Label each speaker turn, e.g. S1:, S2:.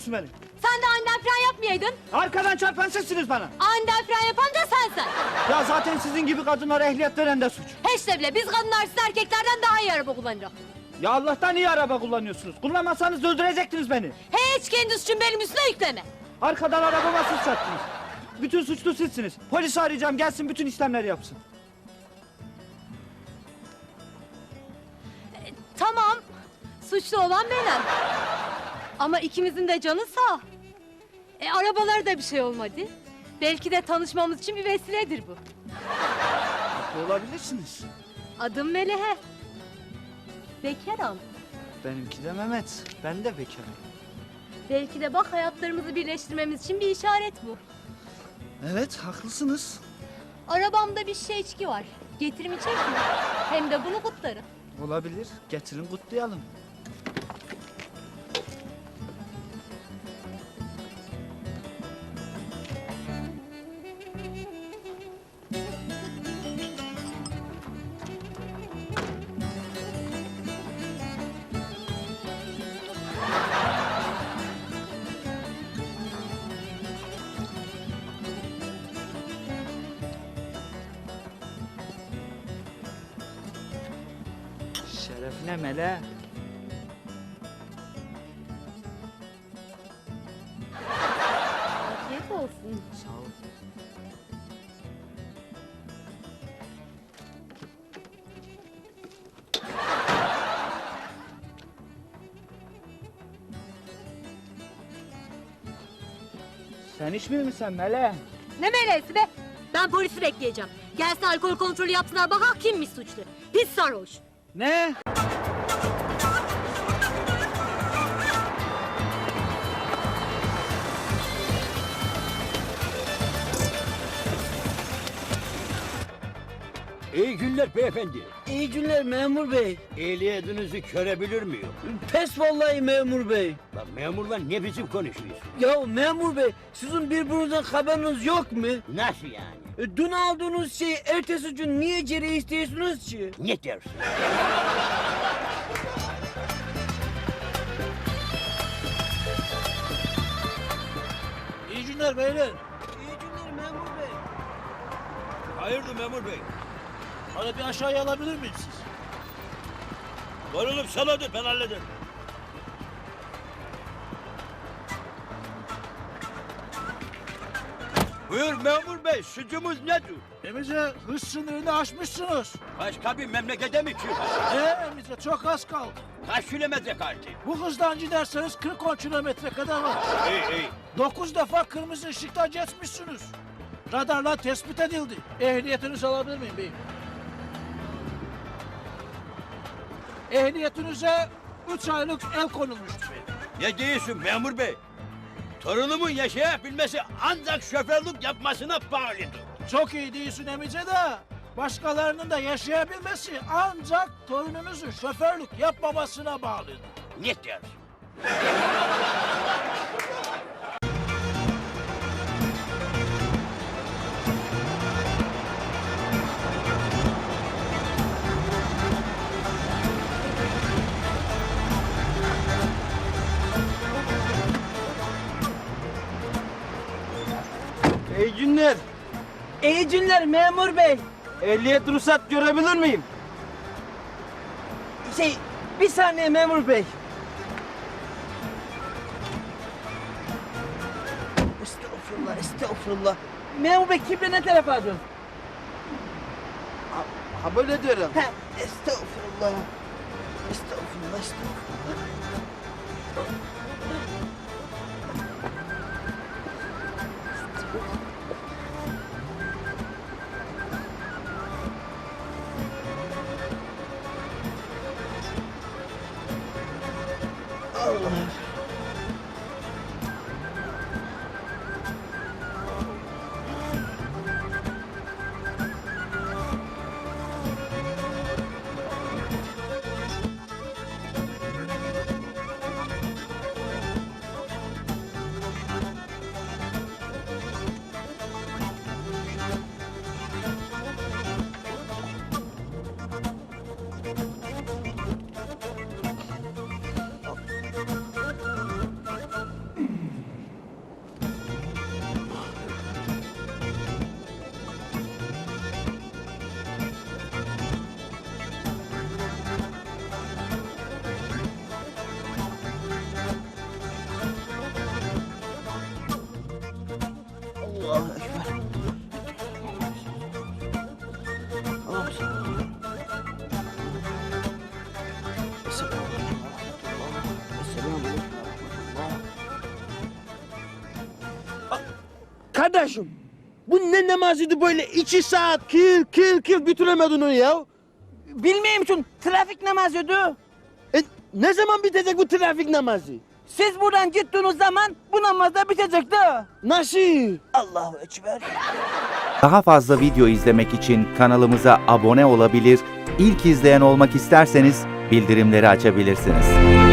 S1: ediyorsun beni?
S2: Sen de aniden fren yapmayaydın.
S1: Arkadan çarpan sizsiniz bana.
S2: Aniden fren yapan da sensin.
S1: Ya zaten sizin gibi kadınlara ehliyet veren de suç.
S2: Hiç de bile biz kadınlar siz erkeklerden daha iyi araba kullanırız.
S1: Ya Allah'tan iyi araba kullanıyorsunuz. Kullanmasanız öldürecektiniz beni.
S2: Hiç kendi suçun benim üstüne yükleme.
S1: Arkadan arabama siz çarptınız. Bütün suçlu sizsiniz. Polisi arayacağım, gelsin bütün işlemleri yapsın.
S2: Tamam, suçlu olan benim. Ama ikimizin de canı sağ. Arabalara da bir şey olmadı. Belki de tanışmamız için bir vesiledir bu.
S1: Olabilirsiniz.
S2: Adım Melehe. Bekarım.
S1: Benimki de Mehmet. Ben de bekarım.
S2: Belki de bak hayatlarımızı birleştirmemiz için bir işaret bu.
S1: Evet, haklısınız.
S2: Arabamda bir şişe içki var. Getireyim içecek mi? Hem de bunu kutlarım.
S1: Olabilir. Getirin kutlayalım. Şerefine Mele.
S2: Afiyet olsun.
S1: Sağ ol. Sen içmiyor musun Mele?
S2: Ne meleğesi be? Ben polisi bekleyeceğim. Gelsin alkol kontrolü yapsınlar bak kimmiş suçlu. Pis sarhoş.
S1: Ne?
S3: İyi günler beyefendi.
S4: İyi günler memur bey.
S3: Ehliyetinizi görebilir miyim?
S4: Pes vallahi memur bey.
S3: Lan memurla ne biçim konuşuyorsun?
S4: Ya memur bey sizin birbirinizden haberiniz yok mu?
S3: Nasıl yani?
S4: Dün aldığınız şeyi ertesi gün niye geri istiyorsunuz ki?
S3: Ne dersin?
S5: İyi günler beyler.
S4: İyi günler memur bey.
S3: Hayırdır memur bey?
S5: Bana bir aşağıya alabilir miyim siz?
S3: Var oğlum sen hadi ben hallederim. Buyur memur bey suçumuz nedir?
S5: Emice hız sınırını aşmışsınız.
S3: Başka bir memlekete mi çıkıyorsun?
S5: Emice çok az kaldı.
S3: Kaç kilometre kaldı?
S5: Bu hızdan giderseniz 40-10 kilometre kadar var.
S3: İyi iyi.
S5: 9 defa kırmızı ışıkta geçmişsiniz. Radarla tespit edildi. Ehliyetinizi alabilir miyim beyim? Ehliyetinize 3 aylık el konulmuştur beyim.
S3: Ne diyorsun memur bey? Torunumun yaşayabilmesi ancak şoförlük yapmasına bağlıdır.
S5: Çok iyi değilsin Emice de başkalarının da yaşayabilmesi ancak torununuzun şoförlük yapmamasına bağlıdır.
S3: Ne dersin?
S1: İyi günler.
S4: İyi günler memur bey.
S1: Ehliyet ruhsat görebilir miyim?
S4: Bir saniye memur bey. Estağfurullah, estağfurullah. Memur bey kimle ne tarafa dön?
S1: Ha böyle diyorum.
S4: Ha, estağfurullah. Estağfurullah, estağfurullah. Allah. Kardeşim, bu ne namazıydı böyle 2 saat kil bitiremedin onu ya? Bilmeyeyim şun, trafik namazıydı. Ne zaman bitecek bu trafik namazı? Siz buradan gittiğiniz zaman bu namaz da bitecekti. Nasıl? Allahu Ekber.
S6: Daha fazla video izlemek için kanalımıza abone olabilir, ilk izleyen olmak isterseniz bildirimleri açabilirsiniz.